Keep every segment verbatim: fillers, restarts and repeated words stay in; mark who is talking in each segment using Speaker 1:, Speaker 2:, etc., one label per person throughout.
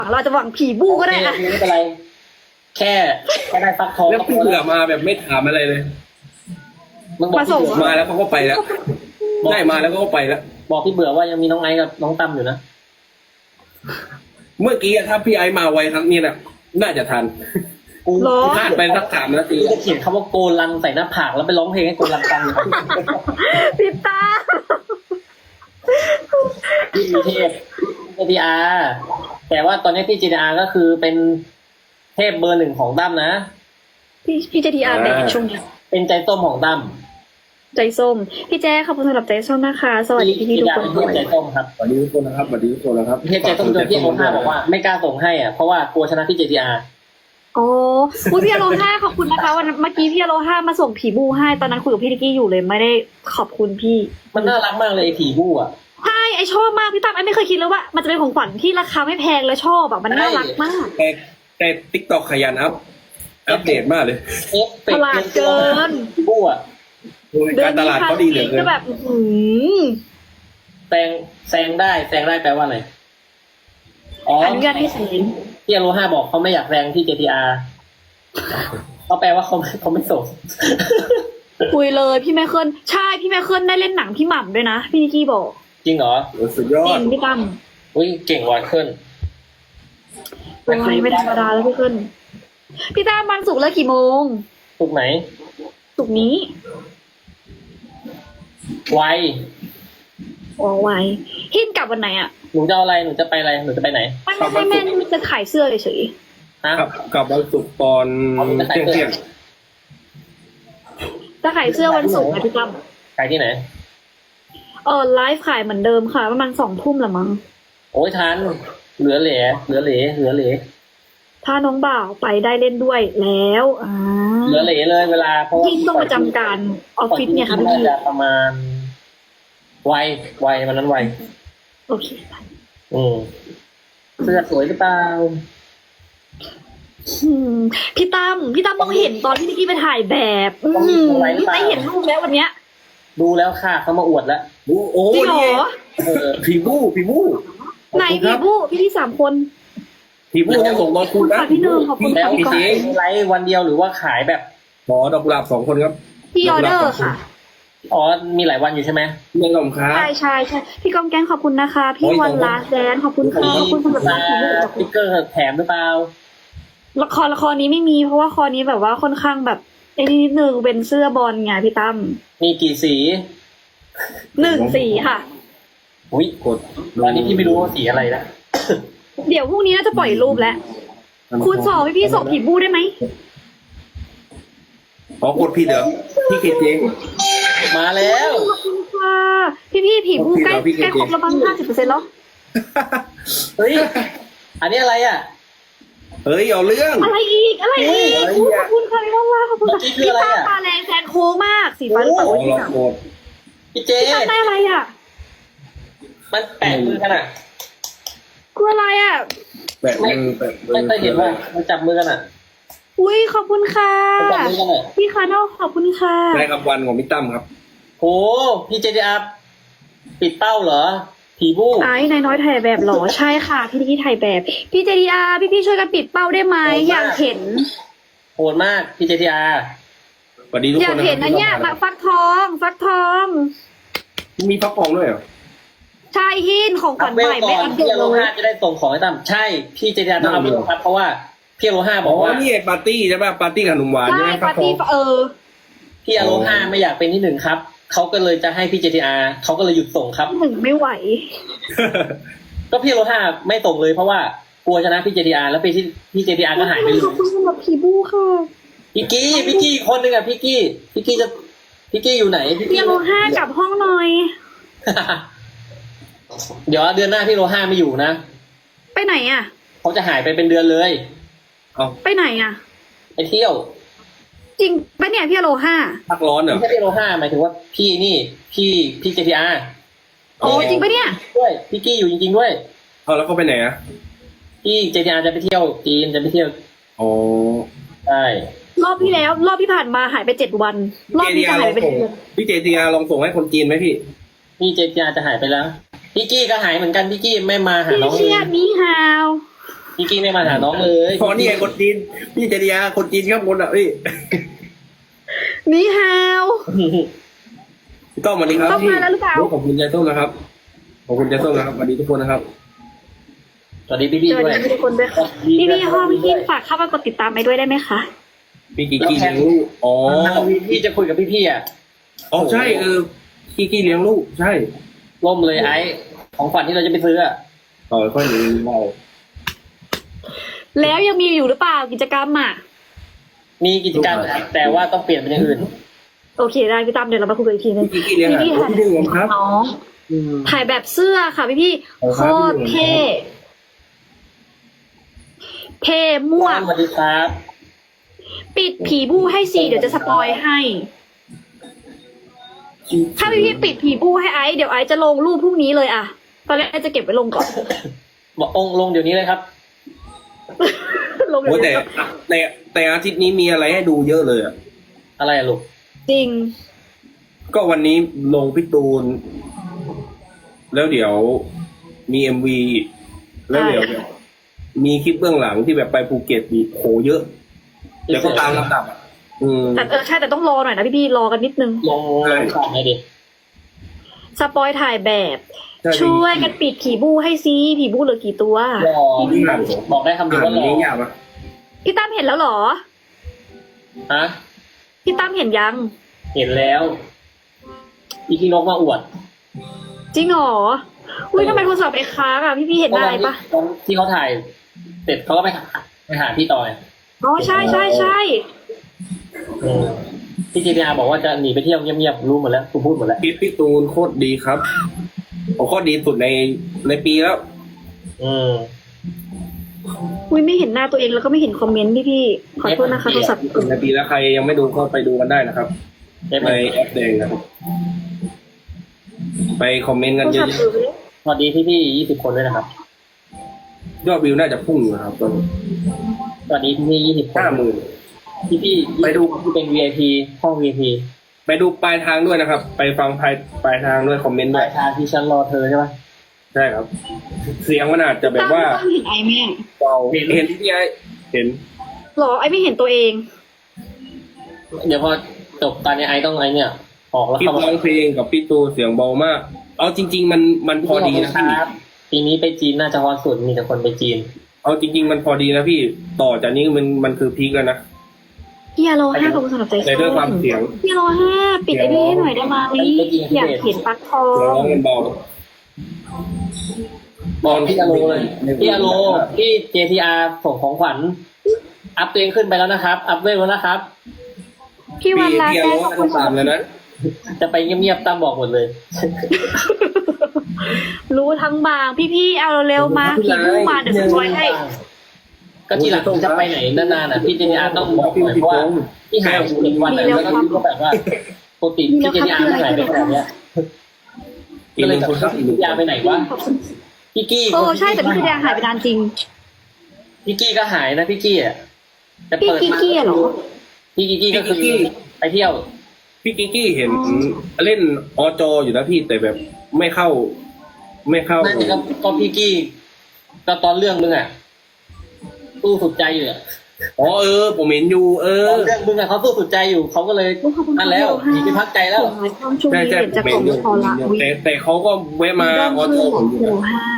Speaker 1: เราจะหวังผีบูก็ได้อะ
Speaker 2: ไม่เป็นไรแค่แค่ได้ฟักทอง
Speaker 3: แล้วพี่เบื่อมาแบบไม่ถามอะไรเลย
Speaker 2: มึงบอก
Speaker 1: มา
Speaker 2: พี่
Speaker 1: ส่ง
Speaker 2: เบื่อ
Speaker 3: มาแล้วเขาก็ไปแล้วได้มาแล้วก็ไปแล้ว
Speaker 2: บอกพี่เบื่อว่ายังมีน้องไอซ์กับน้องตั้มอยู่นะ
Speaker 3: เมื่อกี้อะถ้าพี่ไอซ์มาไวครั้งนี้น่ะน่าจะทัน
Speaker 2: กู
Speaker 1: หรอ
Speaker 3: พลาดไปสักสามนาที
Speaker 2: กูจะเขียนคำว่าโกลันใส่หน้าผากแล้วไปร้องเพลงให้โกลันฟังอยู่
Speaker 1: พี่ตา
Speaker 2: พี่มีเทพเจดีอาร์แต่ว่าตอนนี้พี่เจดีอาร์ก็คือเป็นเทพเบอร์หนึ่งของตั้มนะ
Speaker 1: พี่พี่เจทีอาร์แบกช่วงนี้
Speaker 2: เป็นใจส้มของตั้ม
Speaker 1: ใจส้ม พี่แจ๊ขอบคุณสำหรับใจส้มนะคะ สวัสดีพี่พี่ๆทุกคน
Speaker 2: เทพใจส้มครับ
Speaker 3: สวัสดีทุกคนนะครับสวัสดีทุกคนนะครับ
Speaker 2: เทพใจส้มจนพี่โอห้าบอกว่าไม่กล้าส่งให้อ่ะเพราะว่ากลัวชนะพี่เจดีอาร์
Speaker 1: อ๋ออุ้ยพี่อโลห้าขอบคุณนะคะวันนั้นเมื่อกี้พี่อโลห้ามาส่งผีบูให้ตอนนั้นคุยกับพี่นิกกี้อยู่เลยไม่ได้ขอบคุณพี่
Speaker 2: มันน่ารักมากเลยไอ้ผีบู้อ่ะ
Speaker 1: ใช่ไอชอบมากพี่ตั้มไอไม่เคยคิดเลยว่า มันจะเป็นของขวัญที่ราคาไม่แพงและชอบแบบมันน่ารักมาก
Speaker 3: แต่แต่ติ๊กต็อกขยันอัพอัปเดตมากเลย
Speaker 2: เอฟเฟ
Speaker 1: ต
Speaker 2: กต์
Speaker 1: ลาดเกิน
Speaker 2: ผีบู้อ่ะ
Speaker 3: โอ้ยการตลาดเขาดีเหลือเกิ
Speaker 1: ก็
Speaker 3: น
Speaker 1: แบบอื้อหือ
Speaker 2: แซงแซงได้แซงได้แปลว่าอะไรอ๋อ
Speaker 1: อนุญาตให้สิง
Speaker 2: พี่อโลห้าบอกเขาไม่อยากแซงที่เจทีอาร์เขาแปลว่าเขาไม่เขาไม่ส่ง
Speaker 1: คุยเลยพี่แม่เคิลใช่พี่แม่เคิลได้เล่นหนังพี่หม่ำด้วยนะพี่นิกกี้บอก
Speaker 2: จริงเหรอ
Speaker 3: โอ้ยสุดยอ
Speaker 1: จริ
Speaker 3: ด
Speaker 1: งพี่ตั้ม
Speaker 2: อุ้ยเก่งว่ะขึ้น
Speaker 1: โอ้ยไม่ธรรมดาแล้วพี่เคิลพี่ตั้มวันศุกร์เลิกกี่โมง
Speaker 2: ถูกไหน
Speaker 1: ศุกร์นี้
Speaker 2: ไว
Speaker 1: อ๋อไว้หินกลับวันไหนอ่ะ
Speaker 2: หนูจะเอาอะไรหนูจะไปอะไรหนูจะไปไหน
Speaker 1: ไม่ไม่ไม่แม่ไม่จะขายเสื้อเฉย
Speaker 2: ฮะ
Speaker 3: กับกับวันศุกร์ตอนเที่ยงเที่ยง
Speaker 1: ๆจะขายเสื้อวันศุกร์นะพี่ตั้ม
Speaker 2: ขายที่ไหน
Speaker 1: เออไลฟ์ขายเหมือนเดิมค่ะประมาณสองทุ่มละมั้ง
Speaker 2: โอ้ยทันเหลือเหลือเหลือเหลือเหลือเหลือ
Speaker 1: ถ้าน้องบ่าวไปได้เล่นด้วยแล้วอ่า
Speaker 2: เหลือเหลือเลยเวลาเพราะว่า
Speaker 1: พี่ต้องประจำการออฟฟิศเนี่ยค่ะพี่
Speaker 2: น่าจะประมาณไวไววันนั้นไว
Speaker 1: โอเค
Speaker 2: อืมเสื้อสวยหรือเปล่า
Speaker 1: อืมพี่ตั้มพี่ตั้มต้องเห็นตอนที่นิกกี้ไปถ่ายแบบอืมไม่เห็นรูปแล้ววันเนี้ย
Speaker 2: ดูแล้วค่ะเขามาอวดแล้ว
Speaker 3: โอ้โห
Speaker 1: จริงเหร
Speaker 3: นี่
Speaker 1: อ
Speaker 2: เออ
Speaker 3: ผีบู้ผีบู้
Speaker 1: ไหนพี่ผู้พี่ที่สามคน
Speaker 3: ผีบู้ต้องส่งรอคุณนะ
Speaker 1: ขอบคุณค่ะพี่เนยขอบคุณ
Speaker 2: แล้ว
Speaker 1: ค่ะ
Speaker 2: ขายไลฟ์วันเดียวหรือว่าขายแบบ
Speaker 3: ขอดอกกุหลาบสองคนครับ
Speaker 1: พี่ออเดอร์ค่ะ
Speaker 2: อ๋อมีหลายวันอยู่ใช่ไหม
Speaker 3: เรื่องของค้า
Speaker 1: ใช่ใช่ใช่พี่กองแกงขอบคุณนะคะ พี่
Speaker 3: โอ้ย
Speaker 1: วัน
Speaker 3: ขอบคุณ
Speaker 1: ลาสแดนขอบคุณค่ะขอบคุณสำหรับ
Speaker 2: มา
Speaker 1: ที่เลือก
Speaker 2: สติ๊กเกอร์แถมหรือเปล่า
Speaker 1: ละครละครนี้ไม่มีเพราะว่าคอนี้แบบว่าค่อนข้างแบบไอ้นี่นิดนึงเป็นเสื้อบอลไงพี่ตั้ม
Speaker 2: มีกี่สี
Speaker 1: หนึ่งสีค่ะ
Speaker 2: อุ้ย
Speaker 3: กด
Speaker 2: ตอนนี้พี่ไม่รู้ว่าสีอะไรนะ
Speaker 1: เดี๋ยวพรุ่งนี้น่าจะปล่อยรูปแล้ว คุณสอบให้พี่ส่งผีบูได้ไหม
Speaker 3: อ๋อกดผิดเหรอพี่เคเจ
Speaker 2: มาแล้ว
Speaker 1: ขอบคุณค่ะพี่พี่ๆผีบูใกล้
Speaker 3: พี่เก๋
Speaker 1: ใกล้ครบแล้วมั้งห้าสิบเปอร์เซ็นต์แล้ว
Speaker 2: เฮ้ยอันนี้อะไรอ่ะ
Speaker 3: เฮ้ยเอาเรื่อง
Speaker 1: อะไรอีกอะไรอีก
Speaker 3: อะไร
Speaker 1: อุ๊ย
Speaker 3: อ่ะ
Speaker 1: ขอบคุณค่ะพี่ว่าขอบคุณค่ะ
Speaker 2: เมื่อกี้คือ
Speaker 1: พี่
Speaker 2: อะไร
Speaker 1: ตา
Speaker 2: อ่ะ
Speaker 1: ตาแรงแซงโค้งมากสีฟ้าหรือเปล่า
Speaker 3: อ๋อ
Speaker 1: พี่
Speaker 3: เรา
Speaker 1: สาม
Speaker 3: โกด
Speaker 2: พี่เจ
Speaker 1: พี่ตาได้อะไรอ่ะ
Speaker 2: มันแปะมือกันอ่ะ
Speaker 1: คืออะไรอ่ะ
Speaker 3: แปะมือแปะมือ
Speaker 2: ไม่เคยเห็นว่ามันจับมือกันอ่ะ
Speaker 1: อุ้ยขอบคุณค่ะ
Speaker 2: มันจับมือกันอ่ะ
Speaker 1: พี่คาร์โนขอบคุณค่ะ
Speaker 3: ได้รางวัลของพี่ตั้มครับ
Speaker 2: โหพี่เจดีอาร์ปิดเป้าเหรอ ผีบู้
Speaker 1: ไอ้นายน้อยถ่ายแบบเหรอใช่ค่ะ พี่นิกกี้ถ่ายแบบ พี่เจดีอาพี่พี่ๆช่วยกันปิดเป้าได้ไหมอยากเห็น
Speaker 2: โหดมากพี่เจดีอาร์
Speaker 3: สวัสดีทุก
Speaker 1: อ
Speaker 3: ค
Speaker 1: ยาก
Speaker 3: นนะ
Speaker 1: เห็นนะเนี่ยมาฟักทองฟักทอง
Speaker 3: มีพักปองด้วยเหรอ
Speaker 1: ใช่หินของขวัญ
Speaker 2: เวล
Speaker 1: ใหม่
Speaker 2: ก่
Speaker 1: ไม่
Speaker 2: อน
Speaker 1: อัปเด
Speaker 2: พี่
Speaker 1: ต
Speaker 2: อโล
Speaker 1: เล
Speaker 2: ห้าย จะได้ส่งของให้ตั้มใช่พี่เจดีอาร์ต้องเอาไปลงครับเพราะว่าพี่อโลห้าบ
Speaker 3: อ๋
Speaker 2: อ
Speaker 3: อก
Speaker 2: ว่า
Speaker 3: นี่ไอ้ปาร์ตี้ใช่ป่ะปาร์ตี้ขนมหวานใช่
Speaker 1: ใช่
Speaker 3: ไหม
Speaker 1: ปาร์ตี้
Speaker 3: พักปอง
Speaker 1: เออ
Speaker 2: พี่อโลห้าไม่อยากเป็นที่หนึ่งครับเขาก็เลยจะให้พี่เจดีอาร์เขาก็เลยหยุดส่งครับ
Speaker 1: หนึ่งไม่ไหว
Speaker 2: ก็พี่อโลห้าไม่ส่งเลยเพราะว่ากลัวชนะพี่เจดีอาร์แล้วพี่พี่เจดีอาร์ก็หายไปเล
Speaker 1: ขอบ
Speaker 2: ย
Speaker 1: คุณสำหรับผีบูค่ะ
Speaker 2: พี่กี้พี่กี้คนหนึ่งอะพี่กี้พี่กี้จะพี่กี้อยู่ไหนพี่
Speaker 1: พี่
Speaker 2: กี้
Speaker 1: โลห้ากลับห้องหน่อย
Speaker 2: เดี๋ยวเดือนหน้าพี่โลห้าไม่อยู่นะ
Speaker 1: ไปไหนอ่ะ
Speaker 2: เขาจะหายไปเป็นเดือนเลย
Speaker 3: เอา
Speaker 1: ไปไหนอ่ะ
Speaker 2: ไปเที่ยว
Speaker 1: จริงปะเนี่ยพี่โลห้า
Speaker 3: พักร้อนเหรอ
Speaker 2: ไม่ใช่พี่โลห้าหมายถึงว่าพี่นี่พี่พี่เจทีอาร์
Speaker 1: โอ้จริงปะเนี่ย
Speaker 2: ด้วยพี่กี้อยู่จริงๆด้วย
Speaker 3: เอาแล้วเขาไปไหนอ่ะ
Speaker 2: พี่เจทีอาร์จะไปเที่ยวจีนจะไปเที่ยว
Speaker 3: อ๋อ
Speaker 2: ใช่
Speaker 1: รอบที่แล้ว รอบที่ผ่านมาหายไปเจ็ดวัน รอบ
Speaker 3: เจ
Speaker 1: นี้
Speaker 3: ดี
Speaker 1: จะ
Speaker 3: อาร์ล
Speaker 1: หา
Speaker 3: อย ง
Speaker 1: ไป
Speaker 3: ส่ง
Speaker 1: เดือน
Speaker 3: พี่เจดีอาร์ลองส่งให้คนจีนไหมพี่
Speaker 2: พี่เจทีอาร์จะหายไปแล้วพี่กี้ก็หายเหมือนกันพี่กี้ไม่มาหา
Speaker 1: พี่
Speaker 2: น้องเล
Speaker 1: เชีย
Speaker 2: ย
Speaker 1: ร์นี่ฮาว
Speaker 2: พี่กี้ไม่มาหาน้องเลย
Speaker 3: พอนี่ไงคนจีนพี่เจริยาคนจีนครับคนอ่ะพี่
Speaker 1: นี่ฮาว
Speaker 3: พี่ต้อมสวัสดีครับ
Speaker 1: ต้อมมาแล้วหรือเปล่า
Speaker 3: ขอบคุณใจส้มนะครับขอบคุณใจส้มนะครับสวัสดีทุกคนนะครับ
Speaker 2: สวัสดีพี่พี่
Speaker 1: สวัส
Speaker 2: ด้วย
Speaker 1: ดีทุกคนด้วยค่ะพี่พี่ห้องพี่กินฝากเข้ามากดติดตามไปด้วยได้ไหมคะ
Speaker 3: พี่กิกกี้เลี้ยงลูกอ๋อ
Speaker 2: พี่จะคุยกับพี่พี่อ่ะ
Speaker 3: อ๋อใช่เออกิกกี้เลี้ยงลูกใช่
Speaker 2: ล่มเลยไอ้ของฝันที่เราจะไปซื้ออ่ะ
Speaker 3: ต่อค่อยหนีเรา
Speaker 1: แล้วยังมีอยู่หรือเปล่ากิจกรรมอ่ะ
Speaker 2: มีกิจกรรมแต่ว่าต้องเปลี่ยนเป็นอย่างอื่น
Speaker 1: โอเคได้พี่ตั้มเดี๋ยวเรามาคุยกันอีกทีนึง
Speaker 3: พี่กิกกี้เลี้ยงอ่ะ
Speaker 1: พี่
Speaker 3: โอ้พี่เลี้ยงครับ
Speaker 1: น้องถ่ายแบบเสื้อค่ะพี่พี่
Speaker 3: เอา
Speaker 1: โค
Speaker 3: ครับ
Speaker 1: ตรเท่เท่มั่ว
Speaker 2: สวัสดีครับ
Speaker 1: ปิดผีบู้ให้สิเดี๋ยวจะสปอยให้ ถ้าพี่พี่ปิดผีบู้ให้ไอซ์เดี๋ยวไอซ์จะลงรูปพรุ่งนี้เลยอะตอนแรกไอซ์จะเก็บไว้ลงก่อน
Speaker 2: บอกองค์ลงเดี๋ยวนี้เลยครับ
Speaker 1: ลงเดี๋
Speaker 3: โอ้
Speaker 1: ยว
Speaker 3: แต่
Speaker 1: นี้
Speaker 3: แต่แต่อาทิตย์นี้มีอะไรให้ดูเยอะเลยอ่ะ
Speaker 2: อะไรอะลูก
Speaker 1: จริง
Speaker 3: ก็วันนี้ลงพี่ตูน แล้วเดี๋ยวมีเอ็มวีแล้วเดี๋ยวแบบมีคลิปเบื้องหลังที่แบบไปภูเก็ตมีโหเยอะเดี๋ยวก็ตามลำดับอ่ะอืม
Speaker 1: แต่เออใช่แต่ต้องรอหน่อยนะพี่พี่รอกันนิดนึง
Speaker 2: ลงลงข่าวไหนดิ
Speaker 1: สปอยถ่ายแบบ
Speaker 3: ใช่
Speaker 1: ช่วยกันปิดผีบู้ให้ซิผีบู้เหลือกี่ตัว
Speaker 2: รอบอกได้คำเดียว
Speaker 3: อ่าน
Speaker 2: ว่ารอ
Speaker 3: นี้ยากปะ
Speaker 1: พี่ตั้มเห็นแล้วเหรอ
Speaker 2: ฮะ
Speaker 1: พี่ตั้มเห็นยัง
Speaker 2: เห็นแล้วอีพีนกมาอวด
Speaker 1: จริงเหรออุ้ยทำไมโทรศัพท์ไปค้างอะพี่พี่เห็นอะไรปะ
Speaker 2: ตอนที่เขาถ่ายเสร็จเขาก็ไปหาไปหาพี่ต่อย
Speaker 1: อ๋อใช่ใช่ใช่
Speaker 2: อืมพี่จีพีอาบอกว่าจะหนีไปเที่ยวเงียบๆรู้หมดแล้วกูพูดหมดแล้ว
Speaker 3: คลิปพี่ตูนโคตรดีครับโอ้โคตรดีสุดในในปีแล้ว
Speaker 2: อืม
Speaker 1: อุ้ยไม่เห็นหน้าตัวเองแล้วก็ไม่เห็นคอมเมนต์พี่พี่ขอโทษนะคะโทรศัพท์
Speaker 3: ในปีแล้วใครยังไม่ดูก็ไปดูกันได้นะครับ
Speaker 2: ได้ไหม
Speaker 3: ในแอปแดงนะครับ ไปคอมเมนต์กัน
Speaker 1: โทร
Speaker 3: เย
Speaker 1: ศั
Speaker 3: อะ
Speaker 1: พท์เออไปเลย
Speaker 2: สวัสดีพี่พี่ยี่สิบคนด้วยนะครับ
Speaker 3: ๆยอดวิวน่าจะพุ่งอยู่นะครับตอนนี้
Speaker 2: สวัสดีพี่พี่ยี่สิบคน
Speaker 3: ห้าหมื่น
Speaker 2: พี่พี่
Speaker 3: ไปดู
Speaker 2: ที่เป็น วี ไอ พี ห้อง วี ไอ พี
Speaker 3: ไปดูปลายทางด้วยนะครับ ไปฟังปลายปลายทางด้วยคอมเมนต์
Speaker 2: ป
Speaker 3: ด้ว
Speaker 2: ลาย ยทางที่ฉันรอเธอใช่ปะ
Speaker 3: ใช่ครับ เสียงมันอาจจะแบบว่า
Speaker 1: ตั้มเห็นไอแม่
Speaker 3: เบาเห็นเห็นที่ไอเห็น
Speaker 1: หรอไอไม่เห็นตัวเอง
Speaker 2: เดี๋ยวพอจบตอนนี้ไอต้องไอเนี่ย ออกแล้ว
Speaker 3: คลิป
Speaker 2: เข้ามา
Speaker 3: ร้องเพลงกับพี่ตูนเสียงเบามาก เอาจริง ๆ มันมันพอดีนะพี่
Speaker 2: ครับปีนี้ไปจีนน่าจะฮอตสุดมีแต่คนไปจีน
Speaker 3: เอาจริง ๆ มันพอดีนะพี่ต่อจากนี้มันมันคือพีคแล้วนะ
Speaker 1: พี่อาโลห้าขอบคุณสำหรับใจ
Speaker 3: แต่ด้วยความเสียง
Speaker 1: พี่อาโลห้าปิดไอพี่ให้หน่อยได้ไหมอยากเห็นปลั๊กทอ
Speaker 3: เสียงร้อง
Speaker 1: ง
Speaker 3: มันเบา
Speaker 2: บอลพี่อาโลเลยพี่อาโลพี่ เจ ที อาร์ ส่งของขวัญ อัพตัวเองขึ้นไปแล้วนะครับ อัพเวลแล้วนะครับ
Speaker 1: พี่
Speaker 3: พี่
Speaker 1: วันลา
Speaker 3: พี่อา
Speaker 1: แก้
Speaker 3: โล
Speaker 1: ขอบ
Speaker 3: ต้
Speaker 1: คุ
Speaker 3: อ
Speaker 1: ณ
Speaker 3: งตามแล้วนะ
Speaker 2: จะไปเงียบๆตั้มบอกหมดเลย
Speaker 1: รู้ทั้งบางพี่พี่เอาเร็วมาผีบู้มาเดี๋ยวสปอยให้
Speaker 2: ก็ทีหลังจะไปไหนนานๆอ่ะพี่ เจ ที อาร์ ต้องบอกหน่อยเพราะว่าพี่หายไปเจ็ดวันอะแล้วก็พี่ก็แบบว่าปกติพี่ เจ ที อาร์ ไม่หายไปขนาดเนี้ย
Speaker 3: อี
Speaker 2: ก็
Speaker 3: กห
Speaker 2: เลย
Speaker 3: นึ่ง
Speaker 2: แบบ
Speaker 3: คนครับ
Speaker 2: พี่ เจ ที อาร์ ไปไหนวะพี่กี้
Speaker 1: โอ้ใช่แต่พี่แสดงหายไปนานจริง
Speaker 2: พี่กี้ก็หายนะพี่กี้อ่ะแต่
Speaker 1: พี่
Speaker 2: เปิด
Speaker 1: กี้
Speaker 2: มา
Speaker 1: กี้เหรอ
Speaker 2: พี่กี้ก็คือไปเที่ยว
Speaker 3: พี่กิกกี้เห็นเล่นอจออยู่นะพี่แต่แบบไม่เข้า ไม่เข้า
Speaker 2: นั่นก็ก็พี่กี้ก็ตอนเรื่องมึงอ่ะสู้สุดใจอยู่อ่ะ
Speaker 3: อ๋อเออ ผมเห็นอยู่ เอ
Speaker 2: ต
Speaker 3: อ
Speaker 2: อนเรื่องมึงอ่ะเขาสู้สุดใจอยู่เขาก็เลยนั่นแล้วหนีไปพักใจแล้ว
Speaker 1: ความช่วง
Speaker 3: ใช่
Speaker 1: นี้
Speaker 3: ใช่
Speaker 1: เห็น
Speaker 3: ผ
Speaker 1: จะ
Speaker 3: ม
Speaker 1: ข
Speaker 3: เห็
Speaker 1: อน ง
Speaker 3: อยู่
Speaker 1: พอละวิ
Speaker 3: แต่แต่เขาก็แวะมาออจอผมอยู่
Speaker 1: โล
Speaker 3: นะ
Speaker 1: ห้า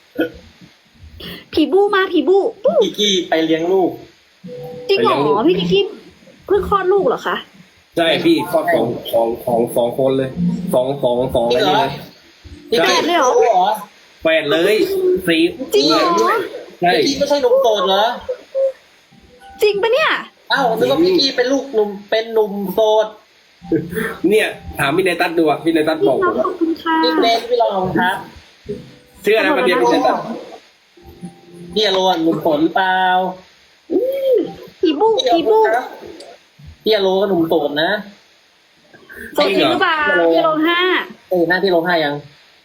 Speaker 1: ผีบู้มาผีบู้บู้
Speaker 2: พี่กี้ไปเลี้ยงลูก
Speaker 1: จริงเหรอพี่กี้เพิ่งคลอดลูกเหรอคะ
Speaker 3: ใช่พี่ข้อของของของสองคนเลยสองสองสอง
Speaker 2: จริ
Speaker 3: อะไร
Speaker 2: งเหรอ
Speaker 3: เลย
Speaker 2: พี่กี้
Speaker 1: เลยเหรอ
Speaker 2: เหรอ
Speaker 3: แปดเลยสี่
Speaker 1: จริงเหรอ
Speaker 3: ใช่
Speaker 2: พี่กี้ไม่ใช่หนุ่มโสดเหรอ
Speaker 1: จริงปะเนี่ย
Speaker 2: อ้าวนึกว่าพี่กี้เป็นลูกหนุ่มเป็นหนุ่มโสด
Speaker 3: เนี่ย ถามพี่เนตัสดูอ่ะพี่เนตัส
Speaker 1: พี่
Speaker 3: บอก
Speaker 1: น้
Speaker 3: ผ
Speaker 1: อง
Speaker 3: ม
Speaker 1: ข
Speaker 3: ว่า
Speaker 1: อบคุณค่ะ
Speaker 2: พี่เนสพี่ลองครับ
Speaker 3: เชื่อนะประเดี๋ยวพี่เนตัส
Speaker 2: พี่อโรนหนุ่มโสดหรือเปล่า
Speaker 1: ผีบู้ผีบู้
Speaker 2: พี่อโรก็หนุ่มโสดนะ
Speaker 1: สดจริงหรือเปล่าพี่โลห้า
Speaker 2: เออหน้าพี่โรห้ายัง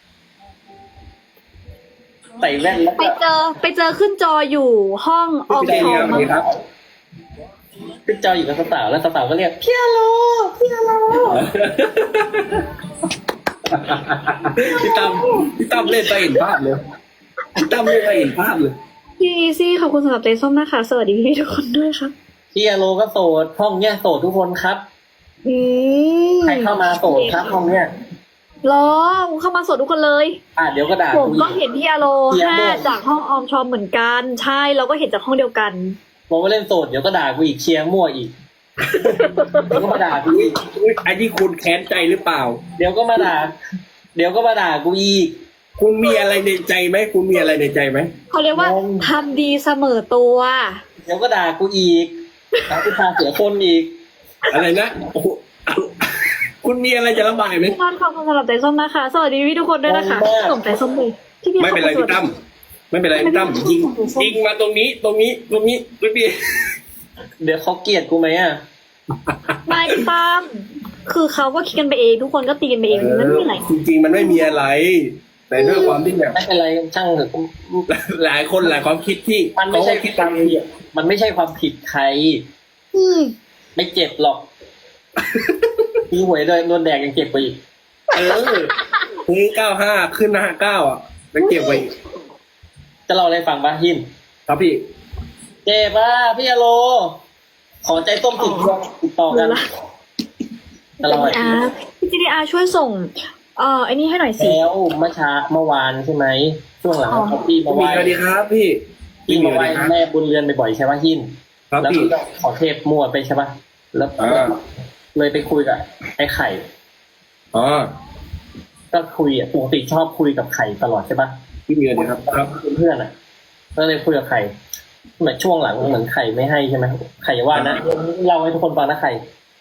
Speaker 2: ใส่แว่นแล้ว
Speaker 1: ไป
Speaker 2: ก็
Speaker 1: เจอไปเจอขึ้นจออยู่ห้องออม
Speaker 3: พี่
Speaker 1: ท
Speaker 3: เน
Speaker 1: อ
Speaker 3: ตั
Speaker 1: ง
Speaker 3: ส
Speaker 1: มั้ง
Speaker 3: ครับ
Speaker 2: ขึ้นจออยู่กับสาวๆแล้วสาวๆก็เรียกพี่อโรพี่อโร
Speaker 3: พี่ตั้มพี่ตั้มเล่นไปเห็นภาพเลยพี่ตั้มเล่นไปเห็นภาพเลย
Speaker 1: พี่อีซี่ขอบคุณสำหรับใจส้มนะคะสวัสดีพี่ทุกคนด้วยครับ
Speaker 2: พี่อโลก็โสดห้องเนี้ยโสดทุกคนครับ
Speaker 1: อืม
Speaker 2: ใครเข้ามาโสดครับห้องเนี้ย
Speaker 1: รอเข้ามาสดทุกคนเลย
Speaker 2: อ่ะเดี๋ยวก็ด่า
Speaker 1: ผม
Speaker 2: กู
Speaker 1: ก็
Speaker 2: อีก
Speaker 1: เห็นพี่อโล
Speaker 2: เสียง
Speaker 1: ห้า
Speaker 2: ด้วย
Speaker 1: จากห้องออมชอมเหมือนกัน ใช่เราก็เห็นจากห้องเดียวกัน
Speaker 2: บอกว่าเล่นโสดเดี๋ยวก็ด่ากูอีกเชียร์มั่วอีกเดี๋ยวก็มาด่ากูอีก
Speaker 3: อุ๊ยอันนี้คุณแค้นใจหรือเปล่า
Speaker 2: เดี๋ยวก็มาด่า เดี๋ยวก็มาด่ากูอีก
Speaker 3: คุณมีอะไรในใจไหมคุณมีอะไรในใจไหม
Speaker 1: เขาเรียกว่าง
Speaker 2: ง
Speaker 1: ทำดีเสมอตัว
Speaker 2: เดี๋ยวก็ด่ากูอีกด่ากูพาเสียคนอีก
Speaker 3: อะไรนะโอ้โหคุณมีอะไรจะระบายไหม
Speaker 1: พี่นอนขอบคุณสำหรับใจส้มนะคะสวัสดีพี่ทุกคนด้วยนะคะ
Speaker 2: ขอบคุณมาก
Speaker 1: ส่งใจส้มเลยพี่พี่
Speaker 3: ไม่เป็นไร
Speaker 1: ขอบคุณ
Speaker 3: พี่ตั้มไม่เป็นไรพี่ตั้มยิงยิงมาตรงนี้ตรงนี้ตรงนี้ตรงนี้
Speaker 2: เดี๋ยวเขาเกลียดกูไหมอ่ะ
Speaker 1: ไม่พี่ตั้มคือเขาก็คิดกันไปเองทุกคนก็ตีกันไปเองมันไม่มีอะไร
Speaker 3: จริงๆมันไม่มีอะไร แต่ด้วยความที่แบบ
Speaker 2: ไม่เป็นไรช่างเถอะ
Speaker 3: หลายคนหลายความคิดที่
Speaker 2: มันไม่ใช่
Speaker 3: เขาคิดตามเอง
Speaker 2: มันไม่ใช่ความผิดใคร
Speaker 1: อืม
Speaker 2: ไม่เจ็บหรอกมีหวยโดนโดนแดกยังเจ็บไปอีก
Speaker 3: เออนี่เก้าห้าขึ้นห้าเก้าอ่ะแล้วเก็บไว้
Speaker 2: จะเล่าอะไรฟังปะหิน
Speaker 3: ครับพี่
Speaker 2: เจ็บป่ะพี่อโล ขอใจต้มติดติดต่อกันจะเล่าอะไร
Speaker 1: อาพี่จีดีอาช่วยส่งเอ่อไอ้นี่ให้หน่อยสิ
Speaker 2: แล้วเมื่อเช้าเมื่อวานใช่ไหมช่วงหลัง
Speaker 1: อ๋อ
Speaker 2: เขาพี่มาไห
Speaker 3: มี
Speaker 2: ว้
Speaker 3: สวัสดีครับพี่
Speaker 2: พี่มาไหว้
Speaker 3: สวัสดีครับ
Speaker 2: แม่บุญเรือนบ่อยๆใช่ปะหิน
Speaker 3: ครับ
Speaker 2: แล้ว
Speaker 3: พี่
Speaker 2: พี่ก็ขอเทพมั่วไปใช่ปะแล้ว
Speaker 3: อ่า
Speaker 2: เลยไปคุยกับไอ้ไข่
Speaker 3: อ๋อ
Speaker 2: ก็คุยอ่ะปกติชอบคุยกับไข่ตลอดใช่ปะ
Speaker 3: พี่มีอะไรครับครับ
Speaker 2: เพื่อนอ่ะ ก็เลยคุยกับไข่เหมือนช่วงหลังเหมือนไข่ไม่ให้ใช่ไหมไข่อย่าว่านะเล่าให้ทุกคนฟังนะไข่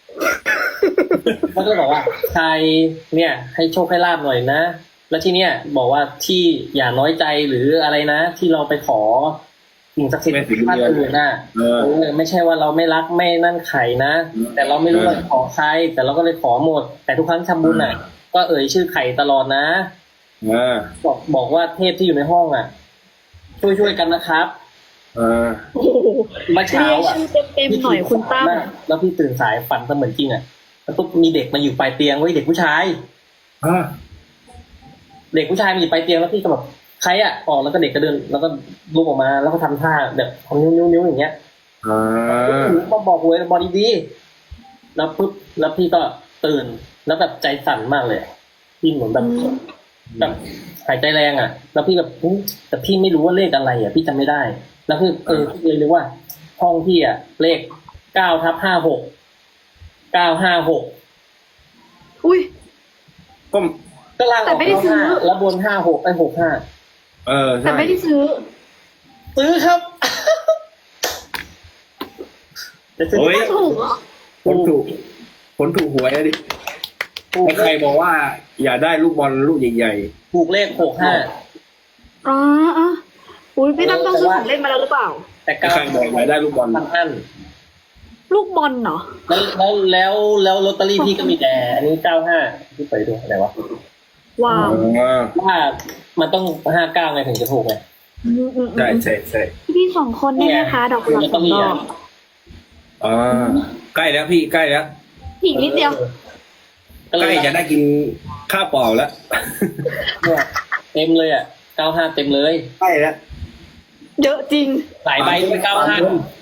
Speaker 2: เขาก็เลยบอกว่าใครเนี่ย ให้โชคให้ลาบหน่อยนะ แล้วที่เนี้ยบอกว่าที่อย่าน้อยใจหรืออะไรนะ ที่เราไปขอสิ่งศักดิ์สิทธิ์ท่านอื่นน่ะ
Speaker 3: เออ
Speaker 2: เออไม่ใช่ว่าเราไม่รักไม่นั่นไข่นะ แต่เราไม่รู้ว่าขอใคร แต่เราก็เลยขอหมด แต่ทุกครั้งทำบุญน่ะ ก็เอ่ยชื่อไข่ตลอดนะ
Speaker 3: อ่า
Speaker 2: บอกบอกว่าเทพที่อยู่ในห้องอ่ะ ช่วยช่วยกันนะครับ
Speaker 3: อ่า
Speaker 1: โอ้โห
Speaker 2: เมื่อเช้า
Speaker 1: เรียก
Speaker 2: อ่ะ
Speaker 1: ชื่อเต็มๆหน่อยคุณตั้ม
Speaker 2: แล้วพี่ตื่นสายฝันเสมือนจริงอ่ะแล้วปุ๊บมีเด็กมาอยู่ปลายเตียงไว้ยเด็กผู้ชาย
Speaker 3: อ่า
Speaker 2: เด็กผู้ชายมาอยู่ปลายเตียงแล้วพี่ก็แบบใครอ่ะออกแล้วก็เด็กก็เดิน แล้วก็ลุกออกมาแล้วก็ทำท่าแบบทำนิ้วนิ้วนิ้วอย่างเงี้ย
Speaker 3: อ่า
Speaker 2: ก็บอกเว้ยบอดีดีแล้วปุ๊บแล้วพี่ก็ตื่นแล้วแบบใจสั่นมากเลยพี่เหมือนแบบ
Speaker 1: อืม
Speaker 2: แบบหายใจแรงอ่ะ แล้วพี่แบบอุ๊ยแต่พี่ไม่รู้ว่าเลขอะไรอ่ะ พี่จำไม่ได้ แล้วพี่เออพี่เลยรู้ว่า ห้องพี่อ่ะ เลขเก้าทับห้าหกเก้าห้าหก
Speaker 1: อุ้ย
Speaker 3: ก็
Speaker 2: ก็ล่างอ
Speaker 1: แต่
Speaker 2: อก
Speaker 1: ไม่ได้
Speaker 2: เก้า
Speaker 1: ซื้อ
Speaker 2: ห้าแล้วบนห้าหกไอ้หกห้า
Speaker 3: เออ
Speaker 1: แต่
Speaker 3: ใช่
Speaker 1: ไม่ได้ซื้อ
Speaker 2: ซื้อครับจะซื้อ
Speaker 3: โอ้ย
Speaker 1: ถูกเหรอ
Speaker 3: คนถูกคนถูกหวยอะดิ
Speaker 2: ถูก
Speaker 3: ใครบอกว่า อย่าได้ลูกบอลลูกใหญ่
Speaker 2: ถูกเลขหกห้า
Speaker 1: อ๋ออ๋ออุ้ยพี่ตั้มต้องซื้อของเล่นมาแล้วหรือเปล่า
Speaker 2: แต่
Speaker 3: ๆ
Speaker 2: เก้า
Speaker 3: ใครบอกอย่าได้ลูกบอล
Speaker 2: พันอัน
Speaker 1: ลูกบอลเหรอ
Speaker 2: แล้วแล้วแล้วแล้วลอตเตอรี่พี่ก็มีแต่อันนี้เก้าห้าพี่ไปดูอะไรวะ
Speaker 1: ว้าว
Speaker 3: อ่า
Speaker 2: ว่ามันต้องห้าเก้าไงถึงจะถูกไง
Speaker 1: อืมอืมอื
Speaker 3: ใช่
Speaker 1: ม
Speaker 3: ใช่ใช่
Speaker 1: พี่สองคนได้ไหมคะดอกกุหลาบสองดอก
Speaker 3: อ่าใกล้แล้วพี่ใกล้แล้ว
Speaker 1: อีกนิดเดียว
Speaker 2: ก็
Speaker 3: ใก
Speaker 2: เล
Speaker 3: ล้
Speaker 2: ย
Speaker 3: จะได้กินข้าวเปล่าแล้ว
Speaker 2: เนี่ยเต็มเลยอ่ะเก้าห้าเต็มเลย
Speaker 3: ใกล้แล้ว
Speaker 1: เยอะจริง
Speaker 2: หลายใบด้วยเก้าห้า